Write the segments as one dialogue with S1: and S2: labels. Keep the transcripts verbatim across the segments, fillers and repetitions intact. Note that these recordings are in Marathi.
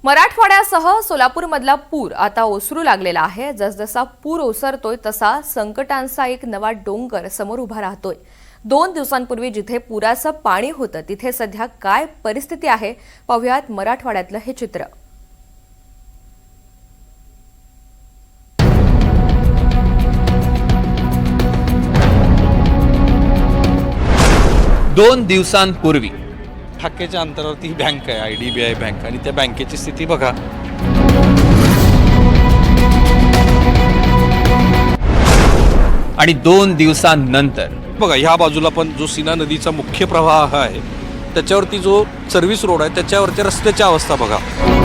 S1: मराठवाड्यासह सोलापूरमधला पूर आता ओसरू लागलेला आहे। जसजसा पूर ओसरतोय तसा संकटांचा एक नवा डोंगर समोर उभा राहतोय। दोन दिवसांपूर्वी जिथे पुराचं पाणी होतं तिथे सध्या काय परिस्थिती आहे पाहूयात मराठवाड्यातलं हे चित्र।
S2: दोन दिवसांपूर्वी
S3: ठाक्याच्या अंतरावरती ही बँक आहे, I D B I bank, आणि त्या बँकेची स्थिती बघा।
S2: आणि दोन दिवसांनंतर
S3: बघा ह्या बाजूला पण जो सीना नदीचा मुख्य प्रवाह आहे त्याच्यावरती जो सर्व्हिस रोड आहे त्याच्यावरच्या रस्त्याची अवस्था बघा।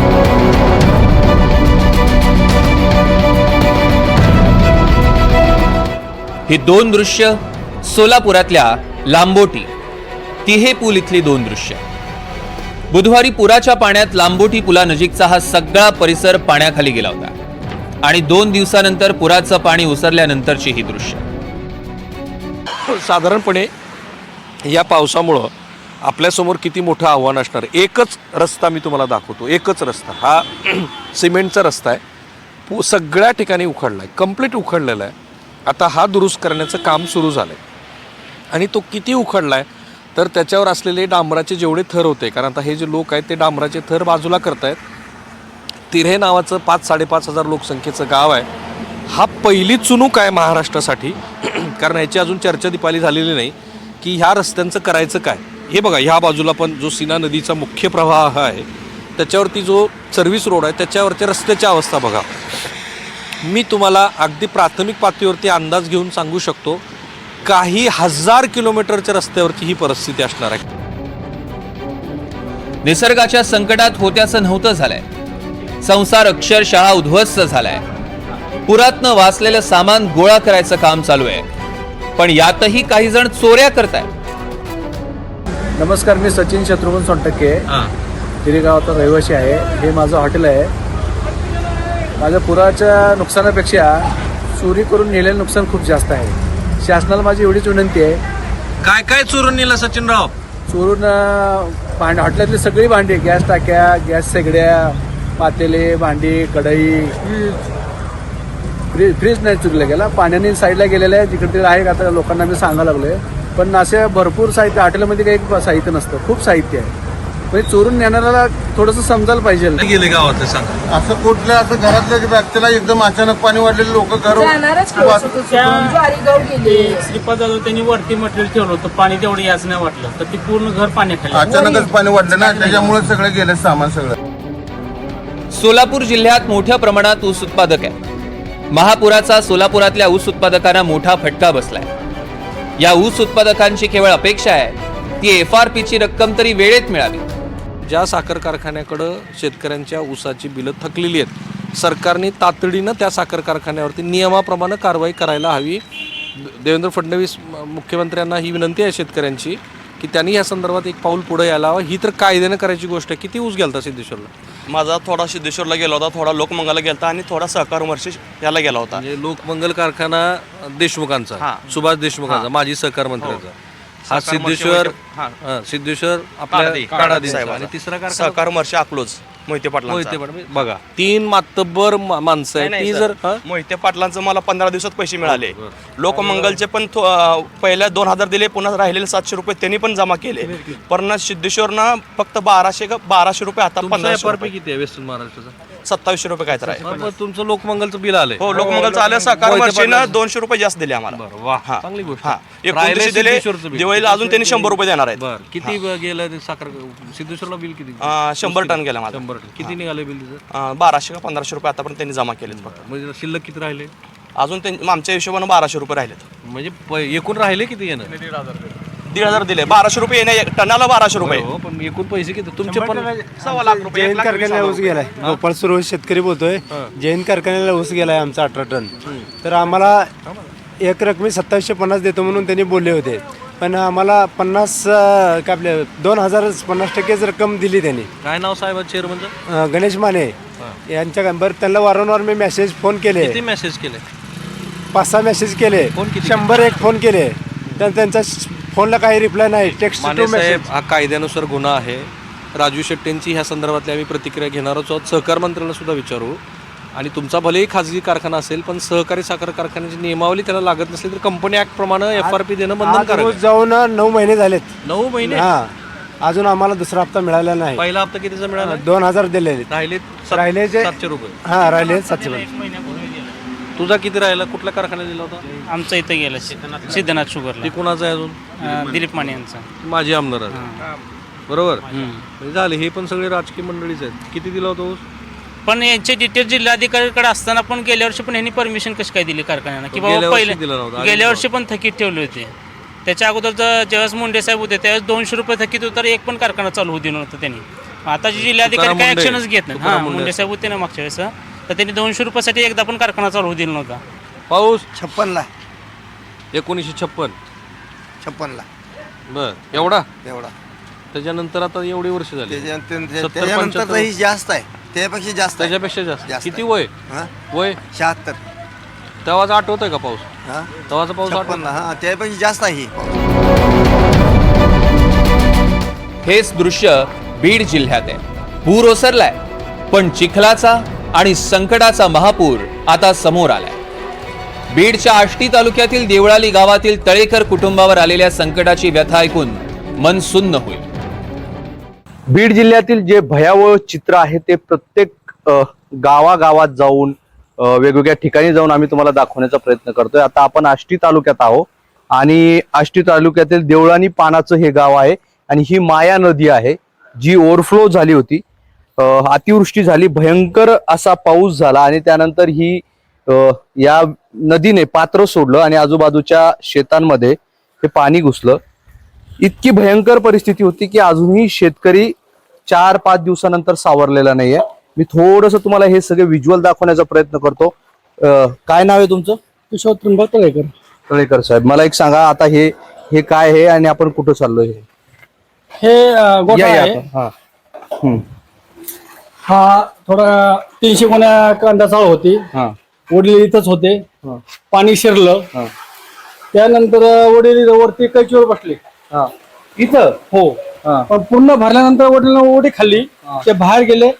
S2: ही दोन दृश्य सोलापुरातल्या लांबोटी तिहे पूल इथली दोन दृश्य। बुधवारी पुराच्या पाण्यात लांबोटी पुलानजीकचा हा सगळा परिसर पाण्याखाली गेला होता आणि दोन दिवसानंतर पुराचं पाणी ओसरल्यानंतरची ही दृश्य।
S3: साधारणपणे या पावसामुळं आपल्यासमोर किती मोठं आव्हान असणार। एकच रस्ता मी तुम्हाला दाखवतो, एकच रस्ता, हा सिमेंटचा रस्ता आहे, पू सगळ्या ठिकाणी उखडला आहे, कम्प्लीट उखडलेला आहे। आता हा दुरुस्त करण्याचं काम सुरू झालं आहे आणि तो किती उखडला आहे तर त्याच्यावर असलेले डांबराचे जेवढे थर होते, कारण आता हे जे लोक आहेत ते डांबराचे थर बाजूला करतायत। तिऱ्हे नावाचं पाच साडेपाच हजार लोकसंख्येचं गाव आहे, हा पहिली चुनूक आहे महाराष्ट्रासाठी, कारण याची अजून चर्चा दिपाली झालेली नाही की ह्या रस्त्यांचं करायचं काय। हे बघा ह्या बाजूला पण जो सीना नदीचा मुख्य प्रवाह आहे त्याच्यावरती जो सर्व्हिस रोड आहे त्याच्यावरच्या रस्त्याची अवस्था बघा। मी तुम्हाला अगदी प्राथमिक पातळीवरती अंदाज घेऊन सांगू शकतो काही हजार किलोमीटरच्या रस्त्यावरची ही परिस्थिती असणार आहे।
S2: निसर्गाच्या संकटात होत्याचं नव्हतं झालंय, संसार अक्षरशः उद्ध्वस्त झालाय। पुरातनं वाचलेलं सामान गोळा करायचं काम चालू आहे, पण यातही काही जण चोऱ्या करतायत।
S4: नमस्कार, मी सचिन शत्रुघ्न सोनटक्के, तिरे गावाचा रहिवासी आहे। हे माझं हॉटेल आहे। माझ्या पुराच्या नुकसानापेक्षा चोरी करून नेलेलं नुकसान खूप जास्त आहे। शासनाला माझी एवढीच विनंती आहे,
S3: काय काय चोरून नेलं सचिनराव?
S4: चोरून भांड हॉटेलातली सगळी भांडी, गॅस टाक्या, गॅस शेगड्या, पातेले, भांडी, कढई, फ्रीज फ्रीज नाही चुकलं गेला, पाण्याने साईडला गेलेलं आहे, जिकडे तिकडे आहे। आता लोकांना मी सांगायला लागलो आहे, पण असे भरपूर साहित्य हॉटेलमध्ये काही साहित्य नसतं, खूप साहित्य आहे। म्हणजे चोरून नेणाऱ्याला थोडंसं समजायला पाहिजे।
S3: गेले गावात सांगा,
S5: असं कुठलं असं घरातल्या व्यक्तीला एकदम अचानक पाणी वाढलेले लोक घर
S6: श्रीपाद त्यांनी वरती मटेरियल ठेवलं होतं, पाणी तेवढं याच नाही वाटलं तर ती पूर्ण घर पाण्याखाली
S5: अचानकच पाणी वाढलं ना, त्याच्यामुळे सगळे गेले सामान सगळं।
S2: सोलापूर जिल्ह्यात मोठ्या प्रमाणात ऊस उत्पादक आहे। महापुराचा सोलापुरातल्या ऊस उत्पादकांना मोठा फटका बसलाय। या ऊस उत्पादकांची केवळ अपेक्षा आहे ती एफ आर पीची रक्कम तरी वेळेत मिळावी।
S3: ज्या साखर कारखान्याकडं शेतकऱ्यांच्या ऊसाची बिलं थकलेली आहेत, सरकारने तातडीनं त्या साखर कारखान्यावरती नियमाप्रमाणे कारवाई करायला हवी। देवेंद्र फडणवीस मुख्यमंत्र्यांना ही विनंती आहे शेतकऱ्यांची की त्यांनी या संदर्भात एक पाऊल पुढे यायला हवं। ही तर कायद्यानं करायची गोष्ट आहे। किती ऊस गेलता सिद्धेश्वरला?
S7: माझा थोडा सिद्धेश्वरला गेला होता, थोडा लोकमंगलला गेला आणि थोडा सहकार वर्षी याला गेला होता।
S3: म्हणजे लोकमंगल कारखाना देशमुखांचा, सुभाष देशमुखांचा, माजी सहकार मंत्र्यांचा, हा सिद्धेश्वर सिद्धेश्वर आपल्या काढा साहेब, आणि तिसरा कारखाना
S7: सहकार वर्षी अकलोज मोहिते पाटला।
S3: मोहिते पाटील बघा, तीन मातब्बर माणसं आहेत ती। जर
S7: मोहिते पाटलांचं मला पंधरा दिवसात पैसे मिळाले, लोकमंगलचे पण पहिल्या दोन हजार दिले, पुन्हा राहिलेले सातशे रुपये त्यांनी पण जमा केले, पण सिद्धेश्वरनं फक्त बाराशे बाराशे रुपये आता पंधराशे रुपये
S3: किती आहे वेस्टर्न महाराष्ट्राचा?
S7: सत्तावीसशे रुपये काय तर आहे।
S3: तुमचं लोकमंगलचं बिल आलंय?
S7: हो, लोकमंगलचं आलं। सहकार वर्षीनं दोनशे रुपये जास्त दिले आम्हाला।
S3: वाह, चांगली गोष्ट।
S7: हा, एकोणतीसशे दिले, दिवाळीला अजून त्यांनी शंभर रुपये देणार आहेत।
S3: किती गेलं ते साखर सिद्धेश्वरला बिल? किती?
S7: शंभर टन गेला माझं।
S3: शंभर टन किती निघाले बिल तिचं?
S7: बाराशे का पंधराशे रुपये आतापर्यंत त्यांनी जमा केले फक्त।
S3: म्हणजे शिल्लक किती राहिले
S7: अजून आमच्या हिशोबानं बाराशे रुपये राहिलेत।
S3: म्हणजे एकूण राहिले किती येणं?
S7: दीड हजार दिले, बाराशे रुपये येणे, टनाला बाराशे रुपये।
S3: हो, पण एकूण पैसे किती तुमचे? पण
S7: सव्वा लाख रुपये।
S4: जैन कारखान्याला ऊस गेलाय, गोपाळ सुरवत शेतकरी बोलतोय। जैन कारखान्याला ऊस गेलाय आमचा अठरा टन, तर आम्हाला एक रकमी सत्तावीसशे पन्नास देतो म्हणून त्यांनी बोलले होते, पण आम्हाला पन्नास काय आपले दोन हजार पन्नास टक्केच रक्कम दिली त्यांनी।
S3: काय नाव साहेब चेअरमनचं?
S4: गणेश माने यांच्या बरं, त्यांना वारंवार मी मेसेज फोन केले,
S3: किती मेसेज केले?
S4: पाच सहा मेसेज केले, शंभर एक फोन केले, तर त्यांचा फोनला काही रिप्लाय नाही। Text to message.
S3: हा कायद्यानुसार गुन्हा आहे, राजू शेट्टींची ह्या संदर्भातली आम्ही प्रतिक्रिया घेणारच आहोत. सहकार मंत्र्यांना सुद्धा विचारू. आणि तुमचा भलेही खाजगी कारखाना असेल पण सहकारी साखर कारखान्याची नियमावली त्याला लागत नसली तर कंपनी ऍक्ट प्रमाणे एफ आर पी देणं बंधनकारक
S8: रोज
S3: आहे.
S8: जाऊन नऊ महिने झालेत.
S3: नऊ महिने
S8: हा अजून आम्हाला दुसरा हप्ता मिळाला नाही.
S3: पहिला हप्ता कितीचा मिळाला?
S8: दोन हजार दिलेले
S3: राहिले
S8: राहिले जे-
S3: सातशे रुपये.
S8: हा राहिले सातशे
S6: एक महिन्यापूर्वी गेला
S3: तुझा किती राहिला? कुठल्या कारखान्यात दिला होता?
S6: आमचं इथं गेलं सिद्धनाथ सिद्धनाथ शुगरला
S3: ती कुणाचा आहे अजून?
S6: अं, दिलीप माने यांचा.
S3: माझी आमदार आहे. बरोबर म्हणजे झाले हे पण सगळे राजकीय मंडळीच आहेत. किती दिला होता ऊस?
S6: पण यांचे डिटेल जिल्हाधिकाऱ्याकडे असताना पण गेल्या वर्षी पण यांनी परमिशन कशी काय दिली कारखान्याला की
S3: गेल्या
S6: बाबा
S3: वर्षी
S6: पहिले
S3: दिलं नव्हतं.
S6: गेल्या वर्षी पण थकीत ठेवले होते. त्याच्या अगोदर जर ज्यावेळेस मुंडे साहेब होते त्यावेळेस दोनशे रुपये थकीत होतं तर एक पण कारखाना चालू होऊ दिलं नव्हतं त्यांनी. आता जे जिल्हाधिकारी
S3: तुकाराम
S6: काय
S3: मुंडे.
S6: ऍक्शनच घेत नाही.
S3: तुकाराम
S6: हा
S3: मुंडे.
S6: मुंडे साहेब होते ना मागच्या वेळेस तर त्यांनी दोनशे रुपयासाठी एकदा पण कारखाना चालू होऊ दिला नव्हता.
S3: पाऊस
S5: छप्पनला
S3: एकोणीसशे छप्पन
S5: छप्पनला
S3: बर एवढा
S5: एवढा
S3: त्याच्यानंतर आता एवढी वर्ष झाली.
S5: त्याच्या- त्या-
S3: सत्तर,
S5: त्याच्यानंतर
S3: पंच्याहत्तर.
S5: ही जास्त आहे त्यापेक्षा जास्त आहे.
S3: त्याच्यापेक्षा जास्त
S5: जास्त
S3: किती
S5: आहे.
S3: वय
S5: हा
S3: वय
S5: शहात्तर
S3: तेव्हाचा आठवतोय का पाऊस?
S5: हा
S3: तेव्हाचा पाऊस आठवत?
S5: छप्पनला हा त्यापेक्षा जास्त आहे ही.
S2: हेच दृश्य बीड जिल्ह्यात आहे. पूर ओसरलाय पण चिखलाचा आणि संकटाचा महापूर आता समोर आलाय. बीडच्या आष्टी तालुक्यातील देवळाली गावातील तळेकर कुटुंबावर आलेल्या संकटाची व्यथा ऐकून मन सुन्न होईल.
S4: बीड जिल्ह्यातील जे भयावह चित्र आहे ते प्रत्येक अ, गावागावात जाऊन अ, वेगवेगळ्या ठिकाणी जाऊन आम्ही तुम्हाला दाखवण्याचा प्रयत्न करतोय. आता आपण आष्टी तालुक्यात आहोत आणि आष्टी तालुक्यातील देवळानी पानाचं हे गाव आहे आणि ही माया नदी आहे जी ओव्हरफ्लो झाली होती. अ, अतिवृष्टी झाली, भयंकर असा पाऊस झाला आणि त्यानंतर ही अ, या नदीने पात्र सोडलं आणि आजूबाजूच्या शेतांमध्ये हे पाणी घुसलं. इतकी भयंकर परिस्थिती होती की अजूनही शेतकरी चार पाच दिवसानंतर सावरलेला नाहीये. मी थोडस तुम्हाला हे सगळे व्हिज्युअल दाखवण्याचा प्रयत्न करतो. अं, काय नाव आहे तुमचं?
S8: किशोर त्र्यंबक तळेकर.
S4: तळेकर साहेब, मला एक सांगा आता हे हे काय आहे आणि आपण कुठं चाललोय? हे
S8: हे अं, गोठा
S4: या- या
S8: आहे.
S4: आता. हा. हम्म.
S8: हा थोडा तीनशे गुण्या कांदा चाळ होती.
S4: हा.
S8: वडील इथंच होते.
S4: हा.
S8: पाणी शिरलं.
S4: हा.
S8: त्यानंतर वडील वरती कैचीवर बसले.
S4: हा. इथं
S8: हो
S4: हा.
S8: पण पूर्ण भरल्यानंतर वडिलांना उडी खाल्ली. ते बाहेर गेले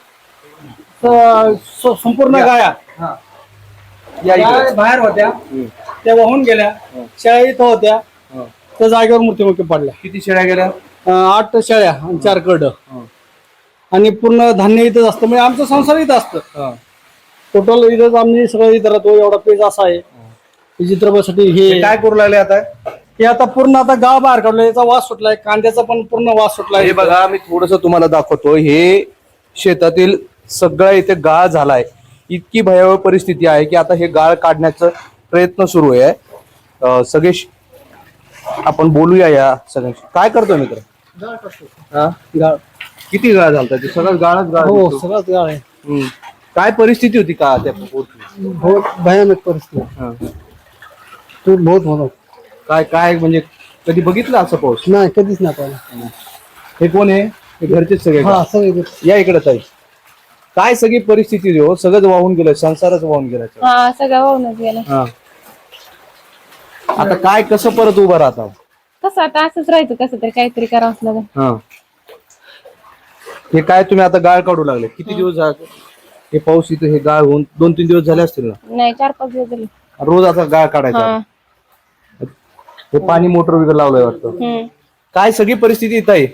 S8: तर स- संपूर्ण गाया
S4: हा. या इकडे.
S8: गाय बाहेर होत्या. त्या वाहून गेल्या. शेळ्या इथं होत्या.
S4: हा.
S8: त्या जागेवर मृत्युमुखी पडल्या.
S4: किती शेळ्या गेल्या?
S8: अं, आठ शेळ्या आणि चार करड आणि पूर्ण धान्य इथंच असतं. म्हणजे आमचं संसार इथं असतं.
S4: हा.
S8: टोटल इथंच आम्ही सगळं इथं राहतो. एवढा पेज असा आहे. चित्रपटासाठी
S4: हे
S8: हे
S4: काय करू लागले आता?
S8: हे आता पूर्ण आता गाव बाहेर काढलं. याचा वास सुटलाय. कांद्याचा पण पूर्ण वास सुटलाय.
S4: हे बघा मी थोडस तुम्हाला दाखवतो. हे शेतातील सगळं इथे गाळ झालाय. इतकी भयावह परिस्थिती आहे की आता हे गाळ काढण्याचा प्रयत्न सुरू आहे. अं, सगळे श- आपण बोलूया या सगळ्यांशी. काय करतोय मित्र? हा?
S8: गाळ
S4: किती गाळ झालता? ते सगळं गाळच गाळ
S8: हो
S4: दिसतो.
S8: सगळंच गाळ आहे.
S4: हम्म. काय परिस्थिती होती का त्या पोरची?
S8: बहुत भयानक परिस्थिती.
S4: हा.
S8: तो बहुत होतो.
S4: काय काय म्हणजे कधी बघितलं असं पाऊस?
S8: नाही कधीच नाही पाहिलं.
S4: हे कोण आहे? हे घरचेच सगळे का?
S8: हा सगळे
S4: या इकडे ताई. काय सगळी परिस्थिती हो? सगळंच वाहून गेलं, संसारच वाहून गेला.
S9: हा सगळं वाहूनच गेलं.
S4: हा. आता काय कसं परत उभं राहता?
S9: कसं आता असंच राहायचं, कसं तरी काहीतरी करावंच लागेल.
S4: हा. हे काय तुम्ही आता गाळ काढू लागले? किती दिवस झाले हे पाऊस इथे? हे गाळ होऊन दोन तीन दिवस झाले असतील ना?
S9: नाही चार पाच दिवस झाले.
S4: रोज आता गाळ काढायचा.
S9: हा.
S4: हे पाणी मोटर वगैरे लावलंय वाटतं.
S9: हम्म.
S4: काय सगळी परिस्थिती इथं आहे?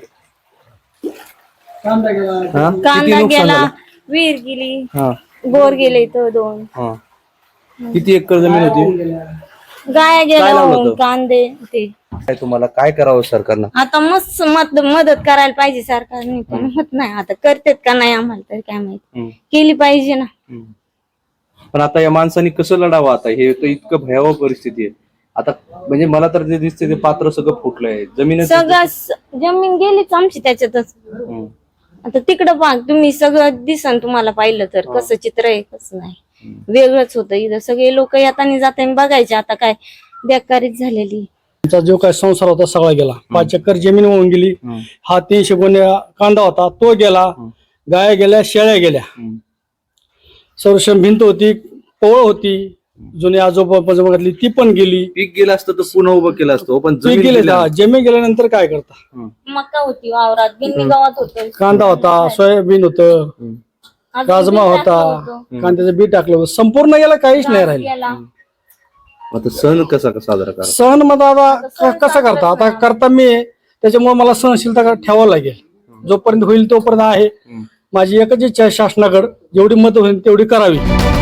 S8: कांदा गेला.
S4: हा? किती
S9: कांदा
S4: नुकसान
S9: गेला,
S4: झालं?
S9: विहीर गेली,
S4: हा.
S9: बोर गेले इथं दोन,
S4: हा. किती एकर जमीन होती?
S9: गाया
S4: काय
S9: गेल्या,
S4: लावलं होतं?
S9: कांदे ते.
S4: काय तुम्हाला काय करावं सरकारनं?
S9: आता मस्त मत मदत करायला पाहिजे सरकारने, पण होत नाही. आता करतेत का नाही आम्हाला तर काय माहिती.
S4: हम्म.
S9: केली पाहिजे ना.
S4: पण आता या माणसांनी कसं लढावं? आता हे तर इतकं भयावह परिस्थिती आहे. आता म्हणजे मला तर जे दिसते ते पात्र सगळं फुटलंय. जमीन
S9: सगळं स- जमीन गेलीच आमची त्याच्यातच. आता तिकडं पहा तुम्ही, सगळं दिसन तुम्हाला पाहिलं तर कसं चित्र आहे कसं नाही. वेगळंच होतं इथं. सगळे लोक येताना जाताना बघायचे. आता काय बेकारीच झालेली.
S8: आमचा जो काय संसार होता सगळा गेला. पाच एकर जमीन वाहून गेली. हा तीनशे गुण्या कांदा होता तो गेला. गाया गेल्या, शेळ्या गेल्या. संरक्षण भिंत होती, पोळ होती, जुने आजोबा पजोबातली ती पण गेली.
S4: पीक गेलं असतं तर पुन्हा उभं केलं असतं पण
S8: ती
S4: जमीन
S8: गेले
S4: गेल्या-
S8: जमीन गेल्यानंतर काय करता?
S9: मका होती वावरात, गिन्नी गावात होतं,
S8: कांदा होता, सोयाबीन होतं,
S9: अजून
S8: राजमा
S9: बी
S8: होता,
S9: टाकलं होतं.
S8: कांद्याचं बी टाकलं होतं. संपूर्ण गेला काहीच नाही राहिलं.
S9: याला
S4: आता सण कसा साजरा करा?
S8: सण मग आता क- कसा करता? आता करता मी आहे, त्याच्यामुळे मला सहनशीलता ठेवावं लागेल. जोपर्यंत होईल तोपर्यंत आहे. माझी एकच इच्छा आहे शासनाकडे जेवढी मदत होईल तेवढी करावी.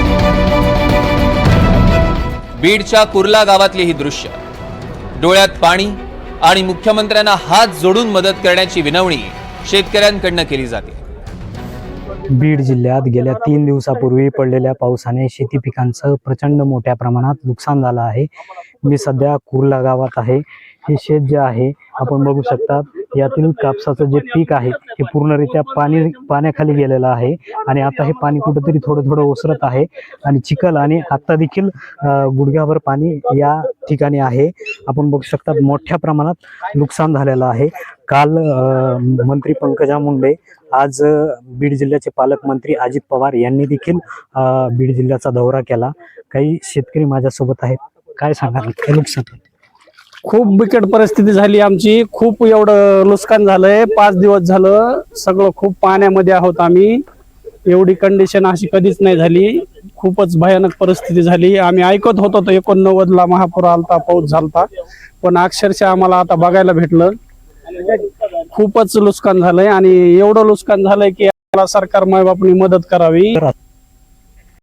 S2: बीडच्या कुर्ला गावातली ही दृश्य, डोळ्यात पाणी आणि मुख्यमंत्र्यांना हात जोडून मदत करण्याची विनवणी शेतकऱ्यांकडनं केली जाते.
S10: बीड जिल्ह्यात गेल्या तीन दिवसापूर्वी पडलेल्या पावसाने शेती पिकांचं प्रचंड मोठ्या प्रमाणात नुकसान झालं आहे. मी सध्या कुर्ला गावात आहे. हे शेत जे आहे आपण बघू शकतात, यातील कापसाचं जे पीक आहे हे पूर्णरित्या पाणी पाण्याखाली गेलेलं आहे आणि आता हे पाणी कुठंतरी थोडं थोडं ओसरत आहे आणि चिखल आणि आता देखील अं, गुडघ्याभर पाणी या ठिकाणी आहे. आपण बघू शकतात मोठ्या प्रमाणात नुकसान झालेलं आहे. काल अं, मंत्री पंकजा मुंडे, आज अं, बीड जिल्ह्याचे पालकमंत्री अजित पवार यांनी देखील अं, बीड जिल्ह्याचा दौरा केला. काही शेतकरी माझ्यासोबत आहेत. काय सांगाल काय नुकसान?
S8: खूप बिकट परिस्थिती झाली आमची. खूप एवढं नुकसान झालंय. पाच दिवस झालं सगळं खूप पाण्यामध्ये आहोत आम्ही. एवढी कंडिशन अशी कधीच नाही झाली. खूपच भयानक परिस्थिती झाली. आम्ही ऐकत होतो तो एकोणनव्वद ला महापूर आलता, पाऊस झालता, पण अक्षरशः आम्हाला आता बघायला भेटलं. खूपच नुकसान झालंय आणि एवढं नुकसान झालंय की आम्हाला सरकार मायबापनी मदत करावी.